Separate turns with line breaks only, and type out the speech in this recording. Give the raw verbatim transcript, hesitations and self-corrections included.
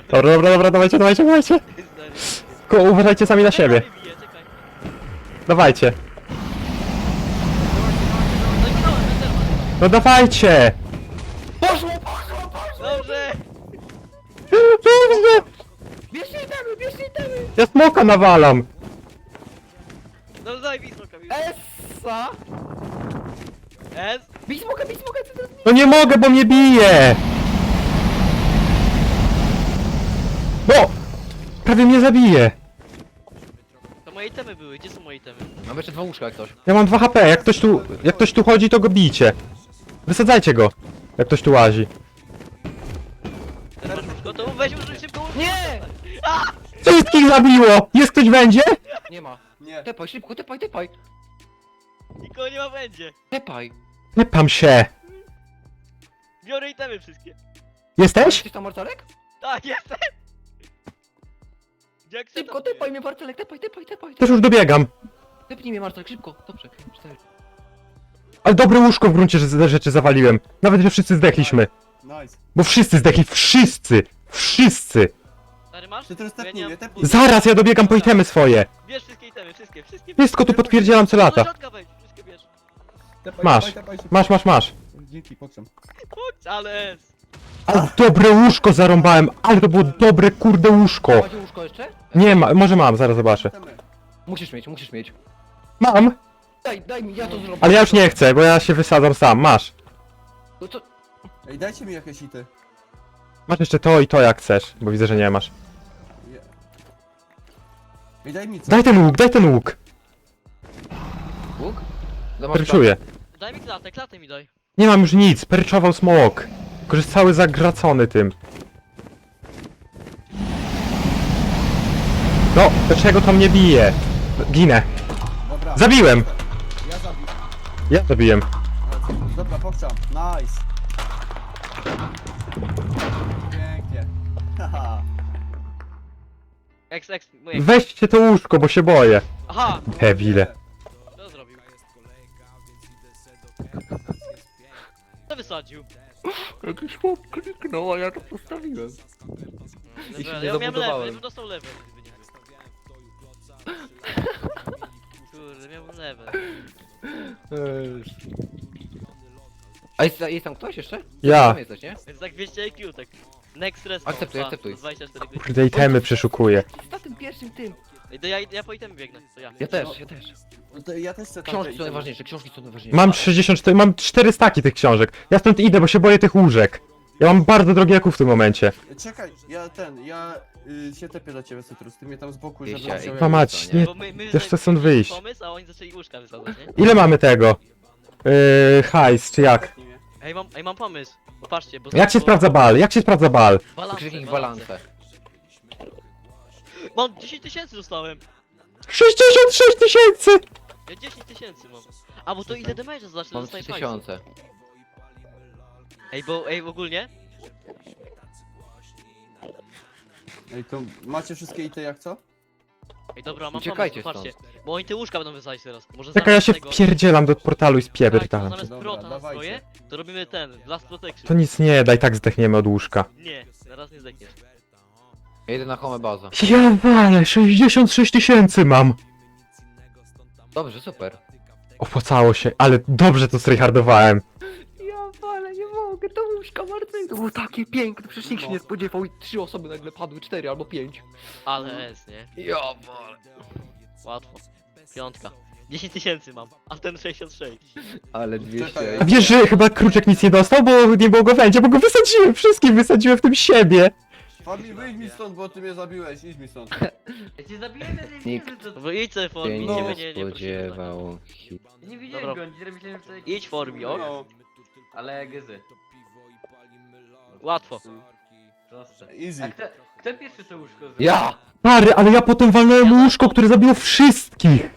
Dobra, dobra, dobra, dawajcie, dawajcie, dawajcie. Tylko uważajcie sami na siebie. Dawajcie. No dawajcie!
Poszło, poszło, poszło!
Dobrze!
Dobrze!
Bierzcie itemy, bierzcie itemy!
Ja smoka nawalam!
No daj mi smoka, mi.
Essa!
S?
Bij smoka, bij smoka, co to jest?
No nie mogę, bo mnie bije! No! Prawie mnie zabije!
To moje itemy były, gdzie są moje itemy?
Mam jeszcze dwa łóżka jak ktoś.
Ja mam dwa H P, jak ktoś tu, jak ktoś tu chodzi, to go bijcie. Wysadzajcie go, jak ktoś tu łazi.
Teraz masz gotowo? Weź użyj szybko łóżko.
Nie!
Wszystkich zabiło! Jest ktoś będzie?
Nie ma.
Nie.
Tepaj, szybko, tepaj, tepaj!
Nikogo nie ma będzie.
Tepaj!
Tepam się.
Biorę itemy wszystkie.
Jesteś?
Jesteś tam Marcelek?
Tak, jestem! Jak chcę,
Szybko,
to
tepaj mnie Marcelek, tepaj, tepaj, tepaj!
Też już dobiegam.
Tepnij mnie Marcelek, szybko, dobrze, cztery.
Ale dobre łóżko w gruncie że- rzeczy zawaliłem. Nawet, że wszyscy zdechliśmy.
Nice.
Bo wszyscy zdechli, wszyscy! Wszyscy!
Stary masz?
Ty teraz
Bo ja
tepnij
nie
mnie,
mam-
tepnij.
Zaraz, ja dobiegam po itemy swoje.
Bierz wszystkie itemy, wszystkie, wszystkie.
Wszystko tu potwierdzielam co
Do
lata.
środka wejdź, wszystkie bierz.
Tepaj,
Masz.
tepaj, tepaj, szybko.
Masz, masz, masz.
Dzięki, pokrzem.
Chodź, ale S.
Ale dobre łóżko zarąbałem, ale to było dobre kurde łóżko.
Macie łóżko jeszcze?
Nie ma, może mam, zaraz zobaczę.
Temy.
Musisz mieć, musisz mieć.
Mam,
Daj, daj mi, ja to zrobię.
ale ja już nie chcę, bo ja się wysadzam sam. Masz.
No to...
Ej, dajcie mi jakieś ity.
Masz jeszcze to i to jak chcesz, bo widzę, że nie masz.
Je- Ej, daj mi co.
Daj ten łuk, daj ten łuk.
Łuk? No masz
Perczuję.
Daj mi klatę, klatę mi daj.
Nie mam już nic, perczował smok. Tylko, że jest cały zagracony tym. No, dlaczego to mnie bije? Ginę.
Dobra.
Zabiłem!
Ja zabiję.
Ja zabiłem.
Dobra, pokrzam. Nice. Pięknie. Haha.
X, X, moje.
Weźcie to łóżko, bo się boję.
Aha!
Debile.
Co zrobił? Co wysadził?
Jakiś chłop kliknął, a ja to postawiłem. I się
Level.
nie
Ja miałem level,
zabudowałem.
ja bym dostał level, gdyby nie był. Kurde, miałbym level.
A jest, jest tam ktoś jeszcze?
Ja.
Tam jesteś, nie?
Więc tak dwieście I Q, tak. Next respawn.
Akceptuj,
pa,
akceptuj.
dwadzieścia cztery godziny.
Kurde, itemy przeszukuję.
Na tym pierwszym tym.
Ej, to ja, ja po itemy biegnę, to ja.
Ja też, ja też.
No to ja też chcę tamte
Książki są
itemy.
najważniejsze, książki są najważniejsze.
Mam sześćdziesiąt cztery, mam cztery staki tych książek. Ja stąd idę, bo się boję tych łóżek. Ja mam bardzo drogie jaków w tym momencie.
Czekaj, ja ten, ja y, się tepię do ciebie, Cytrus. Ty mnie tam z boku,
Jeścia,
żeby
ej,
wziął
Kurwa
jak-
mać, nie.
Bo my, my
Też chcę stąd
mieliśmy
wyjść.
pomysł, a oni zaczęli łóżka wysadzać, nie?
Ile mamy tego? Yy, hajs, czy jak?
Tepnij mnie.
Ej, mam, ej, mam pomysł. Popatrzcie, bo...
Jak się
bo-
sprawdza bal? Jak się sprawdza bal?
Balance,
Krzyknij
balance.
balance.
Mam dziesięć tysięcy dostałem.
sześćdziesiąt sześć tysięcy!
Ja dziesięć tysięcy mam. A, bo to ile damage'a zacznę
Mam
dostać
trzy tysiące.
Ej, bo, ej, ogólnie?
Ej, to macie wszystkie ity jak co?
Ej, dobra, mam
Uciekajcie
pomysł, patrzcie. Bo oni te łóżka będą wysadzać teraz. Może
Czekaj, ja się
tego...
wpierdzielam do portalu i
Tak, to
spierdam.
zamiast
Dobra,
prota na
dawajcie.
swoje, to robimy ten, Blast Protection.
To nic nie da, i tak zdechniemy od łóżka.
Nie, na raz nie zdechniesz.
Ja idę na home baza.
Ja walę, sześćdziesiąt sześć tysięcy mam!
Dobrze, super.
Opłacało się, ale dobrze to stryhardowałem.
Ja ale nie mogę, to łóżka Marcel. To było takie piękne, przecież nikt się nie spodziewał i trzy osoby nagle padły, cztery albo pięć.
Ale S, nie?
Ja wale.
Łatwo. Piątka. dziesięć tysięcy mam, a ten sześćdziesiąt sześć.
Ale
Czekaj,
dwieście.
ja-
Wiesz, że chyba Kruczek nic nie dostał, bo nie było go w będzie, bo go wysadziłem, wszystkich wysadziłem w tym siebie.
Fabi, wyjdź mi stąd, bo ty mnie zabiłeś, idź mi stąd.
Ja cię zabiłem, ja nie
Nikt.
widzę, to...
No bo idź sobie
Się
formie,
No.
nie,
nie
nie, nie, prosimy,
spodziewał.
Ja nie widziałem
Dobra.
go, dzisiaj myślałem, że...
tak. Idź formie, ok?
No,
Ale gezy.
Łatwo.
Proste. A
easy.
kto, kto pierwszy to łóżko zrobił?
Ja!
Stary, ale ja potem walnąłem łóżko, które zabiło wszystkich.